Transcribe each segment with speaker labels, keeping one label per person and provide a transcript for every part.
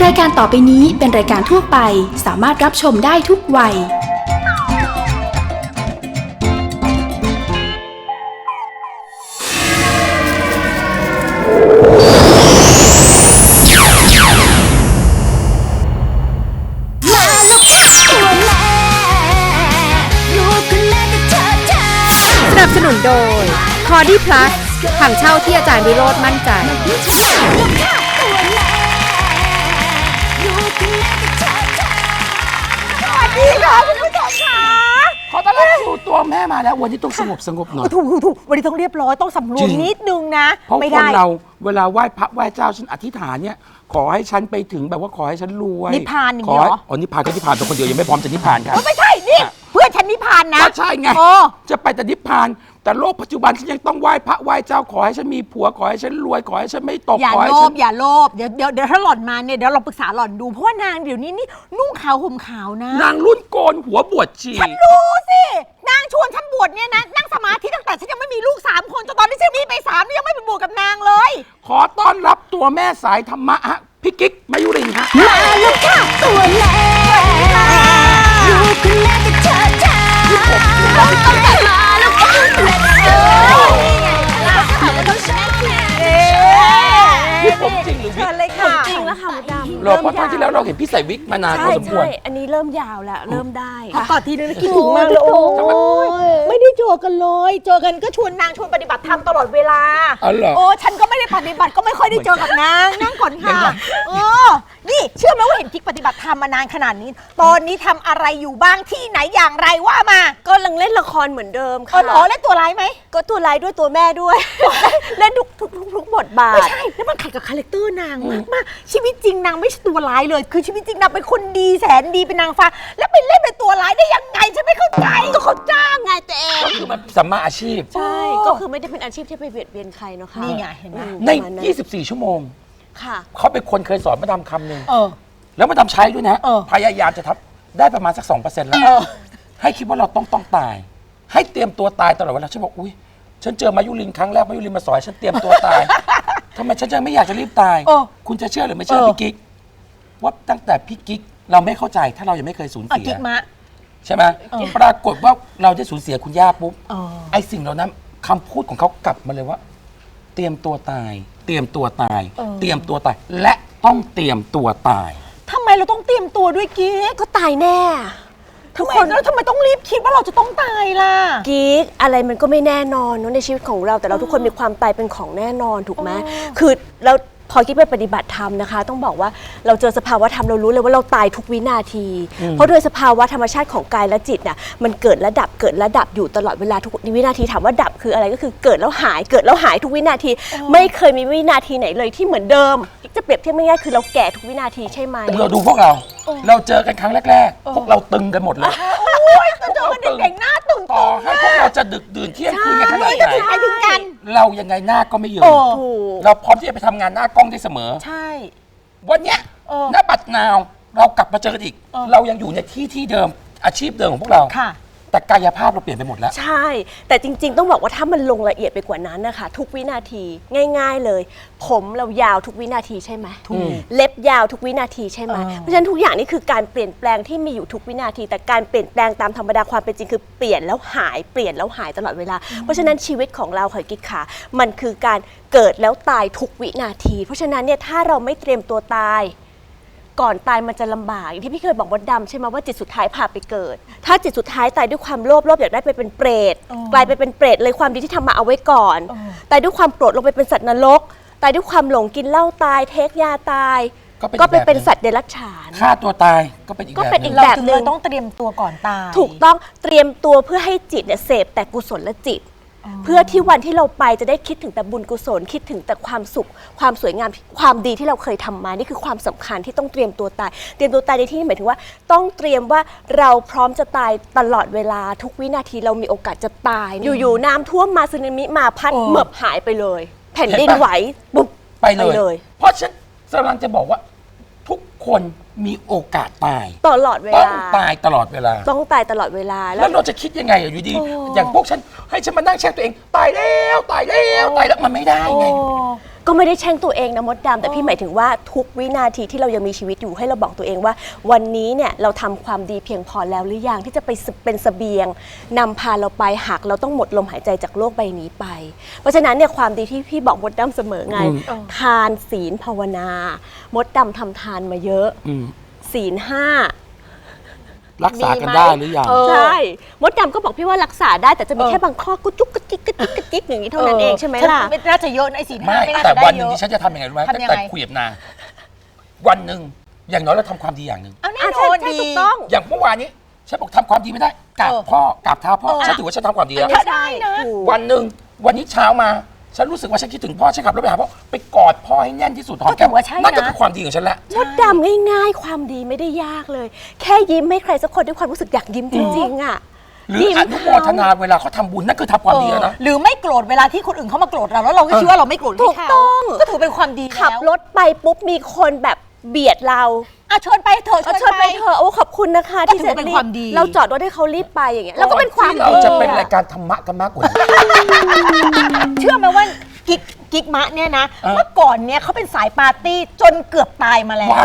Speaker 1: ายการต่อไปนี้เป็นรายการทั่วไปสามารถรับชมได้ทุกวัย
Speaker 2: สนับสนุนโดย คอร์ดี้พลัสถังเช่าที่อาจารย์วิโรจน์มั่นใจ
Speaker 3: สวัสดีค่ะคุณผู้ชมค่ะ
Speaker 4: ขอต้อนรับสู่ตัวแม่มาแล้ววันนี้ต้องสงบหน่อย
Speaker 3: ถูกวันนี้ต้องเรียบร้อยต้องสำรวมนิดนึงนะ
Speaker 4: เพราะ
Speaker 3: ไม่
Speaker 4: ค
Speaker 3: ได้
Speaker 4: นเราเวลาไหว้พระไหว้เจ้าฉันอธิษฐานเนี่ยขอให้ฉันไปถึงแบบว่าขอให้ฉันรวย
Speaker 3: นิพพานอย่างนี้เหรอ
Speaker 4: อ๋อนิพพานก็นิพพานตัวคนเดียวยังไม่พร้อมจะนิพพานครับ
Speaker 3: ไม่ใช่นี่เพื่อนฉันนิพพานนะ
Speaker 4: ก็ใช่ไงจะไปแต่นิพพานแต่โลกปัจจุบันฉันยังต้องไหว้พระไหว้เจ้าขอให้ฉันมีผัวขอให้ฉันรวยขอให้ฉันไม่ตก
Speaker 3: อย่าโลภอย่าโลภเดี๋ยวถ้าหล่อนมาเนี่ยเดี๋ยวเราปรึกษาหล่อนดูเพราะว่านางเดี๋ยวนี้นี่นุ่งขาวห่มขาวนะ
Speaker 4: นางรุ่นโกนหัวบวชชี
Speaker 3: ฉันรู้สินางชวนฉันบวชเนี่ยนะนั่งสมาธิตั้งแต่ฉันยังไม่มีลูก3คนจนตอนนี้ฉันมีไป3นี่ยังไม่ไปบวชกับนางเลย
Speaker 4: ขอต้อนรับตัวแม่สายธรรมะฮะพี่กิ๊กมายุรินฮะ
Speaker 3: มาลูกค่ะตัวแม่ลูกคุณแม่จะเชิดชายต้องแต่มาลูกค่ะ
Speaker 4: นี่ผมจริงหรือวิก
Speaker 3: เลยค่ะ
Speaker 5: จริงแล้วค่ะมดดำ
Speaker 4: หรอเพราะตอนที่แล้วเราเห็นพี่ใส่วิกมานานพอสมควร
Speaker 5: อันนี้เริ่มยาวแล้วเริ่มได้
Speaker 3: ก่อนทีนึงคิดถึงมากเลยโอ้ไม่ได้เจอกันเลยเจอกันก็ชวนนางชวนปฏิบัติธรรมตลอดเวลาโอ้ฉันก็ไม่ได้ปฏิบัติก็ไม่ค่อยได้เจอกับนางนั่งก่อนค่ะนี่เชื่อไหมว่าเห็นกิ๊กปฏิบัติธรรมมานานขนาดนี้ตอนนี้ทำอะไรอยู่บ้างที่ไหนอย่างไรว่ามา
Speaker 5: ก็ยังเล่นละครเหมือนเดิมค่ะ
Speaker 3: เล่นตัวร้ายไหม
Speaker 5: ก็ตัวร้ายด้วยตัวแม่ด้วยเล่นทุกบทบาท
Speaker 3: ไม่ใช่แล้วมันขัดกับคาแรคเตอร์นางมากชีวิตจริงนางไม่ใช่ตัวร้ายเลยคือชีวิตจริงนางเป็นคนดีแสนดีเป็นนางฟ้าแล้วไปเล่นเป็นตัวร้ายได้ยังไงฉันไม่เข้าใจ
Speaker 5: ก็เขาจ้างไงตัวเอง
Speaker 4: ก็คือมันสัมมาอาชีพ
Speaker 5: ใช่ก็คือไม่ได้เป็นอาชีพที่ไปเบียดเบียนใครเนาะค่ะ
Speaker 3: นี่ไงเห็นไหม
Speaker 4: ใน24 ชั่วโมง
Speaker 5: ค่ะ
Speaker 4: เขาเป็นคนเคยสอนมาดามคำหนึ่งแล้วมาดามใช้ด้วยนะพยายามจะทำได้ประมาณสัก 2% แล้วให้คิดว่าเราต้องตายให้เตรียมตัวตายตลอดเวลาฉันบอกอุ้ยฉันเจอมายุรินครั้งแรกมายุรินมาสอนฉันเตรียมตัวตายทำไมฉันจะไม่อยากจะรีบตายคุณจะเชื่อหรือไม่เชื่อพี่กิ๊กว่าตั้งแต่พี่กิ๊กเราไม่เข้าใจถ้าเรายังไม่เคยสูญเสียใช่ไหมปรากฏว่าเราได้สูญเสียคุณย่าปุ๊บไอ้สิ่งเหล่านั้นคำพูดของเขากลับมาเลยว่าเตรียมตัวตายเตรียมตัวตายเตรียมตัวตายและต้องเตรียมตัวตาย
Speaker 3: ทำไมเราต้องเตรียมตัวด้วยกิ๊ก
Speaker 5: ก็ตายแน่
Speaker 3: ทุกคนแล้วทำไมต้องรีบคิดว่าเราจะต้องตายล่ะ
Speaker 5: กิ๊กอะไรมันก็ไม่แน่นอนเนาะในชีวิตของเราแต่เราทุกคนมีความตายเป็นของแน่นอนถูกไหมคือเราพอกิ๊กไปปฏิบัติธรรมนะคะต้องบอกว่าเราเจอสภาวะธรรมเรารู้เลยว่าเราตายทุกวินาทีเพราะโดยสภาวะธรรมชาติของกายและจิตน่ะมันเกิดและดับเกิดและดับอยู่ตลอดเวลาทุกวินาทีถามว่าดับคืออะไรก็คือเกิดแล้วหายเกิดแล้วหายทุกวินาทีไม่เคยมีวินาทีไหนเลยที่เหมือนเดิมจะเปรียบเทียบง่ายๆคือเราแก่ทุกวินาทีใช่ไหม
Speaker 4: เราดูพวกเราเจอกันครั้งแรกๆพวกเราตึงกันหมดเลย
Speaker 3: เจอกันเด็กๆหน้าตึง
Speaker 4: ต่อให้พวกเราจะดึกดื่นเที่ยงคืนกันขนาดไหน
Speaker 3: ถึงกัน
Speaker 4: เรายังไงหน้าก็ไม่ยืนเราพร้อมที่จะไปทำงานหน้ากล้องได้เสมอ
Speaker 3: ใช่
Speaker 4: วันเนี้ยหน้าบัดนาวเรากลับมาเจอกันอีกเรายังอยู่ในที่เดิมอาชีพเดิมของพวกเราแต่กายภาพเราเปลี่ยนไปหมดแล้ว
Speaker 5: ใช่แต่จริงๆต้องบอกว่าถ้ามันลงละเอียดไปกว่านั้นนะคะทุกวินาทีง่ายๆเลยผมเรายาวทุกวินาทีใช่ไหมเล็บยาวทุกวินาทีใช่ไหมเพราะฉะนั้นทุกอย่างนี่คือการเปลี่ยนแปลงที่มีอยู่ทุกวินาทีแต่การเปลี่ยนแปลงตามธรรมดาความเป็นจริงคือเปลี่ยนแล้วหายเปลี่ยนแล้วหายตลอดเวลาเพราะฉะนั้นชีวิตของเราค่ะกิ๊กขามันคือการเกิดแล้วตายทุกวินาทีเพราะฉะนั้นเนี่ยถ้าเราไม่เตรียมตัวตายก่อนตายมันจะลำบากอย่างที่พี่เคยบอกมดดำใช่ไหมว่าจิตสุดท้ายพาไปเกิดถ้าจิตสุดท้ายตายด้วยความโลภอยากได้ไปเป็นเปรตกลายไปเป็นเปรตเลยความดีที่ทำมาเอาไว้ก่อนตายด้วยความโกรธลงไปเป็นสัตว์นรกตายด้วยความหลงกินเหล้าตายเทคยาตายก็ไปเป็นสัตว์เดรัจฉาน
Speaker 4: ฆ่าตัวตายก็เป็นอีก
Speaker 3: แบบนึงต้องเตรียมตัวก่อนตาย
Speaker 5: ถูกต้องเตรียมตัวเพื่อให้จิตเนี่ยเสพแต่กุศลจิตเพื่อที่วันที่เราไปจะได้คิดถึงแต่บุญกุศลคิดถึงแต่ความสุขความสวยงามความดีที่เราเคยทำมานี่คือความสำคัญที่ต้องเตรียมตัวตายเตรียมตัวตายในที่นี้หมายถึงว่าต้องเตรียมว่าเราพร้อมจะตายตลอดเวลาทุกวินาทีเรามีโอกาสจะตายอยู่ๆน้ำท่วมมาสึนามิมาพัดเหมือบหายไปเลยแผ่นดินไหวปุ๊บ
Speaker 4: ไปเลยเพราะฉันกำลังจะบอกว่าทุกคนมีโอกาสตาย
Speaker 5: ตลอดเวลา
Speaker 4: ต้องตายตลอดเวลา
Speaker 5: ต้องตายตลอดเวลา
Speaker 4: แล้วเราจะคิดยังไงอยู่ดีอย่างพวกฉันให้ฉันมานั่งแช่งตัวเองตายแล้วมันไม่ได้ไง
Speaker 5: ก็ไม่ได้แช่งตัวเองนะมดดำแต่พี่หมายถึงว่าทุกวินาทีที่เรายังมีชีวิตอยู่ให้เราบอกตัวเองว่าวันนี้เนี่ยเราทำความดีเพียงพอแล้วหรือยังที่จะไปเป็นเสบียงนำพาเราไปหากเราต้องหมดลมหายใจจากโลกใบนี้ไปเพราะฉะนั้นเนี่ยความดีที่พี่บอกมดดำเสมอไงทานศีลภาวนามดดำทำทานมาเยอะศีล 5
Speaker 4: รักษากันได้หรือยัง
Speaker 5: ใช่มดดำก็บอกพี่ว่ารักษาได้แต่จะมีแค่บางข้อกุ๊กกระจิกกระจิกกระจิกอย่างนี้เท่านั้นเองใช่ไหมล่ะ
Speaker 3: ไม่น่าจะเยอะในศีล
Speaker 4: ไม่
Speaker 3: ไม่น่า
Speaker 4: แต่
Speaker 3: จะได้
Speaker 4: วันห
Speaker 3: เย
Speaker 4: นึ่ง
Speaker 3: อะ
Speaker 4: ที่ฉันจะทำยังไงรู้ไหมตั้งแต่คุยกับนางวันหนึ่งอย่างน้อยเราทำความดีอย่างหนึ่ง
Speaker 3: เอาแน่นอนดี
Speaker 5: ถูกต้อง
Speaker 4: อย่างเมื่อวานนี้ฉันบอกทำความดีไม่ได้กราบพ่อกราบเท้าพ่อฉันถือว่าฉันทำความดีแล้ว
Speaker 5: ใช่นะ
Speaker 4: วันหนึ่งวันนี้เช้ามาฉันรู้สึกว่าฉันคิดถึงพ่อฉันขับรถไปหาพ่อไปกอดพ่อให้แน่นที่สุดหอมแก้มนั่นก็คือความดีของฉันละ
Speaker 5: มดดำง่ายๆความดีไม่ได้ยากเลย แค่ยิ้มให้ใครสักคนด้วยความรู้สึกอยากยิ้มจริงๆอ่ะ
Speaker 4: หรืออนุโมทนาเวลาเขาทำบุญนั่นคือทำความดีแล้วนะ
Speaker 3: หรือไม่โกรธเวลาที่คนอื่นเขามาโกรธเราแล้วเราก็คิดว่าเราไม่โกรธ
Speaker 5: ถูกต้อง
Speaker 3: ก็ถือเป็นความดีแล้ว
Speaker 5: ขับรถไปปุ๊บมีคนแบบเบียดเรา
Speaker 3: ชนไปเถอะ
Speaker 5: ชนไปเถอะโอ้ขอบคุณนะคะที่จะรีบเราจอดรถให้เขารีบไปอย่างเงี้ยเราก็เป็นความดี
Speaker 4: เราจะเป็นรายการธรรมะกันมากกว่านี้
Speaker 3: เชื่อไหมว่ากิ๊กมะเนี่ยนะเมื่อก่อนเนี่ยเขาเป็นสายปาร์ตี้จนเกือบตายมาแล้ว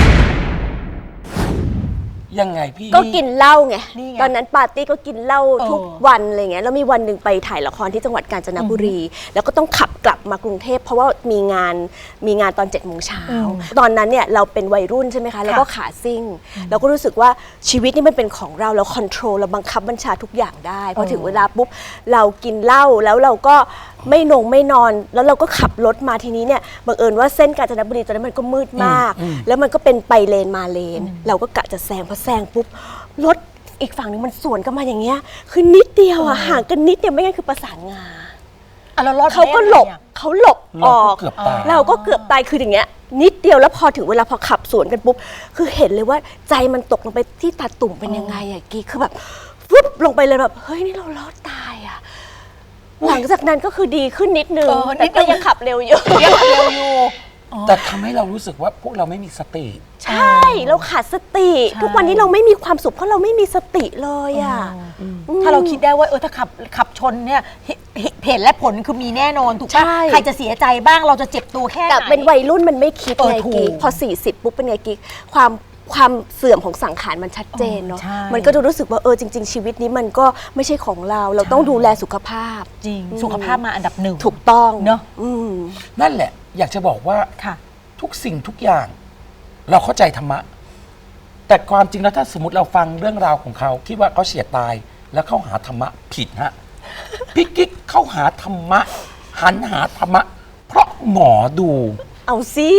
Speaker 4: ยังไงพี่
Speaker 5: ก็กินเหล้าไงตอนนั้นปาร์ตี้ก็กินเหล้าทุกวันอะไรเงี้ยแล้วมีวันหนึ่งไปถ่ายละครที่จังหวัดกาญจนบุรีแล้วก็ต้องขับกลับมากรุงเทพเพราะว่ามีงานตอน7 โมงเช้าตอนนั้นเนี่ยเราเป็นวัยรุ่นใช่ไหมคะแล้วก็ขาซิ่งเราก็รู้สึกว่าชีวิตนี่มันเป็นของเราคอนโทรลเราบังคับบัญชาทุกอย่างได้พอถึงเวลาปุ๊บเรากินเหล้าแล้วเราก็ไม่นอนแล้วเราก็ขับรถมาทีนี้เนี่ยบังเอิญว่าเส้นกาญจนบุรีตอนนั้นมันก็มืดมากแล้วมันก็เป็นไปเลนมาเลนเราก็กะจะแซงพอแซงปุ๊บรถอีกฝั่งนึงมันสวนกันมาอย่างเงี้ยคือนิดเดียวอ่ะห่างกันนิดเดียวไม่งั้นคือประสานงาเขาก็หลบออกเราก็เกือบตายคืออย่างเงี้ยนิดเดียวแล้วพอถึงเวลาพอขับสวนกันปุ๊บคือเห็นเลยว่าใจมันตกลงไปที่ตาตุ่มเป็นยังไงอะกี้คือแบบฟึบลงไปเลยแบบเฮ้ยนี่เรารอดตายอะหลังจากนั้นก็คือดีขึ้นนิดนึงแต่ก็ยังขับเร็วอยู่
Speaker 4: แต่ทำให้เรารู้สึกว่าพวกเราไม่มีสติ
Speaker 5: ใช่เราขาดสติทุกวันนี้เราไม่มีความสุขเพราะเราไม่มีสติเลยอ่ะ
Speaker 3: ถ้าเราคิดได้ว่าถ้าขับชนเนี่ยเหตุและผลคือมีแน่นอนถูกป่ะใครจะเสียใจบ้างเราจะเจ็บตัวแค่ไหน
Speaker 5: แต่เป็นวัยรุ่นมันไม่คิดไงกิ๊กพอ40ปุ๊บเป็นไงกิ๊กความเสื่อมของสังขารมันชัดเจนเนาะมันก็จะรู้สึกว่าจริงๆชีวิตนี้มันก็ไม่ใช่ของเราต้องดูแลสุขภาพ
Speaker 3: จริงสุขภาพมาอันดับหนึ่ง
Speaker 5: ถูกต้อง
Speaker 3: เนาะ
Speaker 4: นั่นแหละอยากจะบอกว่าทุกสิ่งทุกอย่างเราเข้าใจธรรมะแต่ความจริงแล้วถ้าสมมติเราฟังเรื่องราวของเขาคิดว่าเขาเฉียดตายแล้วเข้าหาธรรมะผิดฮะพี่กิ๊กเข้าหาธรรมะหันหาธรรมะเพราะหมอดู
Speaker 5: เอาสิ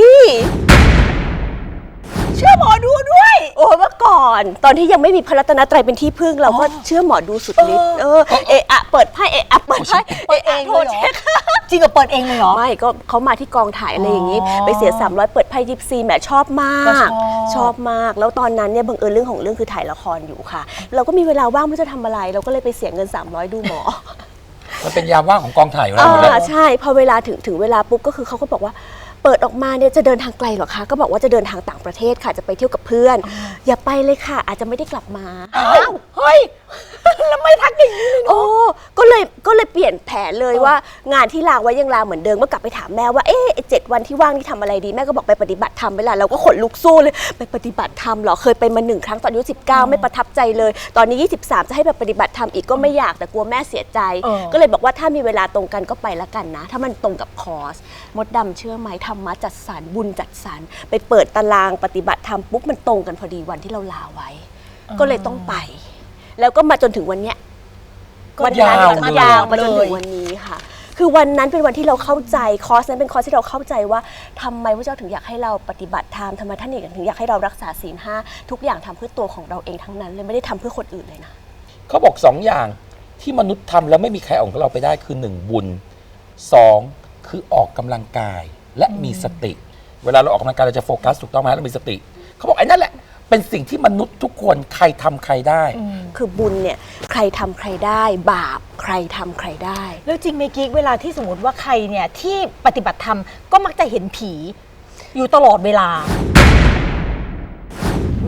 Speaker 5: เชื่อหมอดูด้วยเมื่อก่อนตอนที่ยังไม่มีพระรัตนตรัยเป็นที่พึ่งเราก็เชื่อหมอดูสุดฤทธิ์เปิดไพ่เปิดไพ่
Speaker 3: เองเลยเหรอจริงกับเปิดเองเลยเหรอ
Speaker 5: ไม่ก็เขามาที่กองถ่ายอะไรอย่างนี้ไปเสีย300เปิดไพ่ยิปซีแหมชอบมากแล้วตอนนั้นเนี่ยบังเอิญเรื่องของเรื่องคือถ่ายละครอยู่ค่ะเราก็มีเวลาว่างไม่รู้จะทำอะไรเราก็เลยไปเสียเงิน300ดูหมอ
Speaker 4: มันเป็นยามว่างของกองถ่ายอยู่แล้ว
Speaker 5: ใช่พอเวลาถึงเวลาปุ๊บก็คือเขาก็บอกว่าเปิดออกมาเนี่ยจะเดินทางไกลหรอคะก็บอกว่าจะเดินทางต่างประเทศค่ะจะไปเที่ยวกับเพื่อนอย่าไปเลยค่ะอาจจะไม่ได้กลับมา
Speaker 3: เฮ้ยแล้วไม่ทักอย่างนี้เลย
Speaker 5: ก็เลยเปลี่ยนแผนเลยว่างานที่ลาไว้ยังลาเหมือนเดิมก็กลับไปถามแม่ว่า7 วันที่ว่างนี่ทำอะไรดีแม่ก็บอกไปปฏิบัติธรรมไปละเราก็ขนลุกสู้เลยไปปฏิบัติธรรมเหรอเคยไปมา1 ครั้งตอนอายุ19ไม่ประทับใจเลยตอนนี้23จะให้ไปปฏิบัติธรรมอีกก็ไม่อยากแต่กลัวแม่เสียใจก็เลยบอกว่าถ้ามีเวลาตรงกันก็ไปละกันนะถ้ามันตรงกับคอร์สมดดำเชื่อไหมธรรมะจัดสรรบุญจัดสรรไปเปิดตารางปฏิบัติธรรมปุ๊บมันตรงกันพอดีวันที่เราลาไว้ก็เลยต้องไปแล้วก็มาจนถึงวันเนี้ยวันนั้นยาวมาจนถึงวันนี้ค่ะคือวันนั้นเป็นวันที่เราเข้าใจคอร์สนั้นเป็นคอร์สที่เราเข้าใจว่าทำไมพระเจ้าถึงอยากให้เราปฏิบัติธรรมทำไมท่านถึงอยากให้เรารักษาศีล 5ทุกอย่างทำเพื่อตัวของเราเองทั้งนั้นเลยไม่ได้ทำเพื่อคนอื่นเลยนะ
Speaker 4: เขาบอก2 อย่างที่มนุษย์ทำแล้วไม่มีใครเอาของเราไปได้คือ1บุญ2คือออกกำลังกายและมีสติเวลาเราออกกำลังกายเราจะโฟกัสถูกต้องไหมเรามีสติเขาบอกไอ้นั่นแหละเป็นสิ่งที่มนุษย์ทุกคนใครทำใครได้
Speaker 5: คือบุญเนี่ยใครทำใครได้บาปใครทำใครได้
Speaker 3: แล้วจริงไหมกิ๊กเวลาที่สมมติว่าใครเนี่ยที่ปฏิบัติธรรมก็มักจะเห็นผีอยู่ตลอดเวลา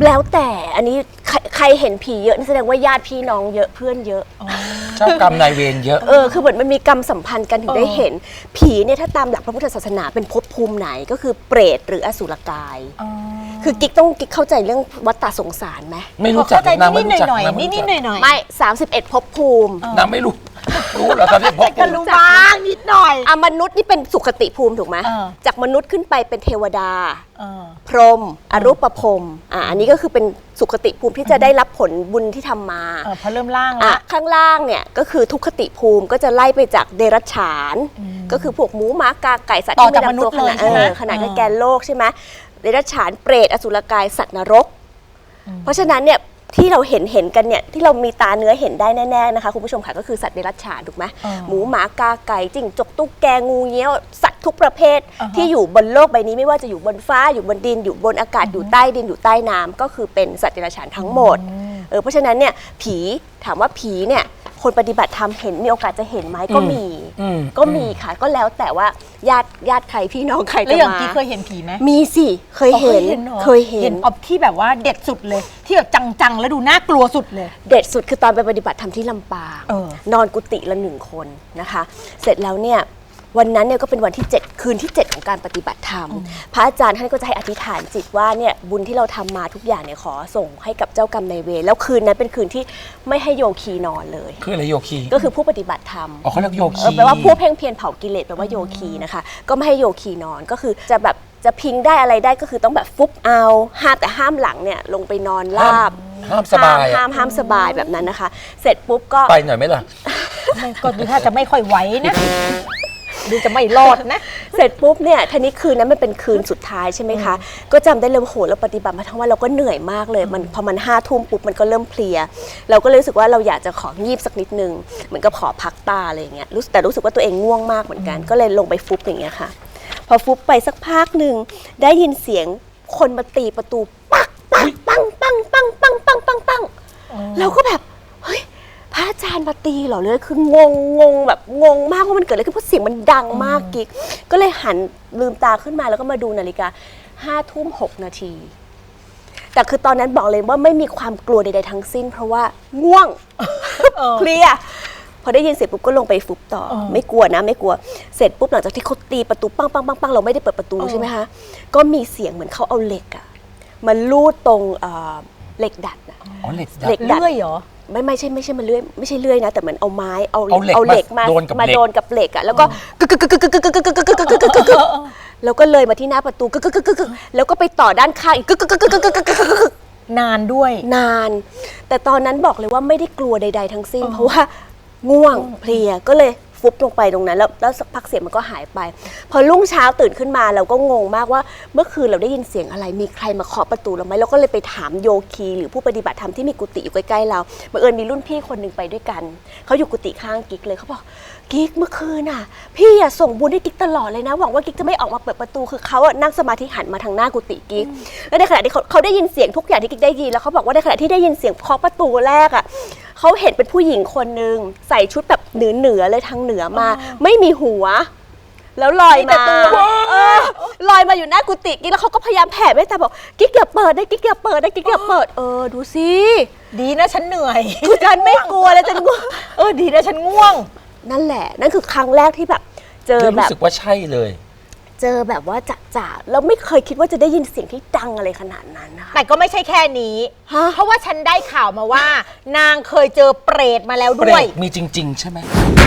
Speaker 5: แล้วแต่อันนี้ใครเห็นผีเยอะนี่แสดงว่าญาติพี่น้องเยอะเพื่อนเยอะ
Speaker 4: เจ้ากรรมนายเวรเยอะ
Speaker 5: คือเหมือนมันมีกรรมสัมพันธ์กันถึงได้เห็นผีเนี่ยถ้าตามหลักพระพุทธศาสนาเป็นภพภูมิไหนก็คือเปรตหรืออสุรกายคือกิ๊กเข้าใจเรื่องวัฏฏะสงสารไหม
Speaker 4: ไม่รู้จักนางไม่รู้จัก
Speaker 3: นิดหน่อย
Speaker 5: ไม่31ภพภูมิ
Speaker 4: นางไม่รู้เหรอตอนนี้ภพภูมิ
Speaker 3: รู้บ้างนิดหน่อย
Speaker 5: มนุษย์นี่เป็นสุคติภูมิถูกไหมจากมนุษย์ขึ้นไปเป็นเทวดาพรหมอรูปพรหมอันนี้ก็คือเป็นสุคติภูมิที่จะได้รับผลบุญที่ทำมา
Speaker 3: พอเริ่มล่างแล้ว
Speaker 5: ข้างล่างเนี่ยก็คือทุกขติภูมิก็จะไล่ไปจากเดรัจฉานก็คือพวกหมูหมากาไก่สัตว์ที่ไม่นับตัวขนาดแกนโลกใช่ไหมเดรัจฉานเปรตอสุรกายสัตว์นรกเพราะฉะนั้นเนี่ยที่เราเห็นกันเนี่ยที่เรามีตาเนื้อเห็นได้แน่ๆนะคะคุณผู้ชมค่ะก็คือสัตว์เดรัจฉานถูกไหมหมูหมากาไก่จิ้งจกตุ๊กแกงูเงี้ยวสัตว์ทุกประเภทที่อยู่บนโลกใบนี้ไม่ว่าจะอยู่บนฟ้าอยู่บนดินอยู่บนอากาศอยู่ใต้ดินอยู่ใต้น้ำก็คือเป็นสัตว์เดรัจฉานทั้งหมดเพราะฉะนั้นเนี่ยผีถามว่าผีเนี่ยคนปฏิบัติธรรมเห็นมีโอกาสจะเห็นไหมก็มีค่ะก็แล้วแต่ว่าญาติใครพี่น้องใครจะมา
Speaker 3: แล้วอย่างที่เคยเห็นผีไหม
Speaker 5: มีสิเคยเห็น
Speaker 3: อบที่แบบว่าเด็ดสุดเลยที่แบบจังๆแล้วดูน่ากลัวสุดเลย
Speaker 5: เด็ดสุดคือตอนไปปฏิบัติธรรมที่ลำปางนอนกุฏิละ1 คนนะคะเสร็จแล้วเนี่ยวันนั้นเนี่ยก็เป็นวันที่7คืนที่7ของการปฏิบัติธรรมพระอาจารย์ท่านก็จะให้อธิษฐานจิตว่าเนี่ยบุญที่เราทำมาทุกอย่างเนี่ยขอส่งให้กับเจ้ากรรมนายเวรแล้วคืนนั้นเป็นคืนที่ไม่ให้โยคีนอนเลย
Speaker 4: คืออะไรโยคี
Speaker 5: ก็คือผู้ปฏิบัติธรรม
Speaker 4: เขาเรียกโยคี
Speaker 5: แปลว่าผู้เพ่งเพียรเผากิเลสแปลว่าโยคีนะคะก็ไม่ให้โยคีนอนก็คือจะแบบจะพิงได้อะไรได้ก็คือต้องแบบฟุบเอาห้ามหลังเนี่ยลงไปนอนราบ
Speaker 4: ห้ามสบาย
Speaker 5: ห้ามสบายแบบนั้นนะคะเสร็จปุ๊บก็
Speaker 4: ไปหน่อยไหมล่ะ
Speaker 3: ก็ดูถ้าจะไม่ค่อยไหวนะดูจะไม่รอดนะ
Speaker 5: เสร็จปุ๊บเนี่ยทีนี้คืนนั้นมันเป็นคืนสุดท้ายใช่ไหมคะก็จำได้เลยโหเราปฏิบัติมาทั้งวันเราก็เหนื่อยมากเลยมันพอมัน5 ทุ่มปุ๊บมันก็เริ่มเพลียเราก็เลยรู้สึกว่าเราอยากจะของีบสักนิดนึงเหมือนกับขอพักตาอะไรอย่างเงี้ยแต่รู้สึกว่าตัวเองง่วงมากเหมือนกันก็เลยลงไปฟุบอย่างเงี้ยค่ะพอฟุบไปสักพักหนึ่งได้ยินเสียงคนมาตีประตูปักปังปังปังปังปังปังปังปังเราก็แบบเฮ้ยพระอาจารย์มาตีเหรอเลยคืองงแบบงงมากว่ามันเกิดอะไรขึ้นเพราะเสียงมันดังมากกิ๊กก็เลยหันลืมตาขึ้นมาแล้วก็มาดูนาฬิกา5 ทุ่ม 6 นาทีแต่คือตอนนั้นบอกเลยว่าไม่มีความกลัวใดๆทั้งสิ้นเพราะว่าง่วงเคลียร์พอได้ยินเสร็จปุ๊บก็ลงไปฟุบต่อไม่กลัวนะไม่กลัวเสร็จปุ๊บหลังจากที่เขาตีประตูปังปังปังปังเราไม่ได้เปิดประตูใช่ไหมคะก็มีเสียงเหมือนเขาเอาเหล็กอะมันลูดตรงเหล็กดัดอะ
Speaker 4: เหล็กดัด
Speaker 3: เลื่อยเหรอ
Speaker 5: ไม่ใช่มันเลื่อยไม่ใช่เลื่อยนะแต่เหมือนเอาไม้เอาเหล็กมาโดนกับเหล็กอะแล้วก็แล้วก็เลยมาที่หน้าประตูแล้วก็ไปต่อด้านข้างอีก
Speaker 3: นานด้วย
Speaker 5: นานแต่ตอนนั้นบอกเลยว่าไม่ได้กลัวใดๆทั้งสิ้นเพราะว่าง่วงเพลียก็เลยฟุบลงไปตรงนั้นแล้วสักพักเสียงมันก็หายไปพอรุ่งเช้าตื่นขึ้นมาเราก็งงมากว่าเมื่อคืนเราได้ยินเสียงอะไรมีใครมาเคาะประตูเราไหมเราก็เลยไปถามโยคีหรือผู้ปฏิบัติธรรมที่มีกุฏิอยู่ใกล้ๆเราบังเอิญมีรุ่นพี่คนหนึ่งไปด้วยกันเขาอยู่กุฏิข้างกิ๊กเลยเขาบอกกิ๊กเมื่อคืนน่ะพี่อะส่งบุญให้กิ๊กตลอดเลยนะหวังว่ากิ๊กจะไม่ออกมาเปิดประตูคือเขาอะนั่งสมาธิหันมาทางหน้ากุฏิกิ๊กแล้วในขณะที่เขาได้ยินเสียงทุกอย่างที่กิ๊กได้ยินแล้วเขาบอกว่าในขณะที่ได้ยินเสียงเคาะประตูแรกอะเขาเห็นเป็นผู้หญิงคนนึงใส่ชุดแบบเหนือเลยทางเหนือมาไม่มีหัวแล้วลอยมาลอยมาอยู่หน้ากุฏิกิ๊กแล้วเขาก็พยายามแผ่เมตตาบอกกิ๊กอย่าเปิดนะกิ๊กอย่าเปิดนะกิ๊กอย่าเปิดดูสิ
Speaker 3: ดีนะฉันเหนื่อย
Speaker 5: ฉันไม่กลัวแล้วฉันง่วง
Speaker 3: ดีนะฉันง่วง
Speaker 5: นั่นแหละนั่นคือครั้งแรกที่แบบเจอแบบ
Speaker 4: รู้สึกว่าใช่เลย
Speaker 5: เจอแบบว่าจะแล้วไม่เคยคิดว่าจะได้ยินเสียงที่ดังอะไรขนาดนั้นนะคะ
Speaker 3: แต่ก็ไม่ใช่แค่นี้เพราะว่าฉันได้ข่าวมาว่านางเคยเจอเปรตมาแล้วด้วย
Speaker 4: มีจริงๆใช่ไหม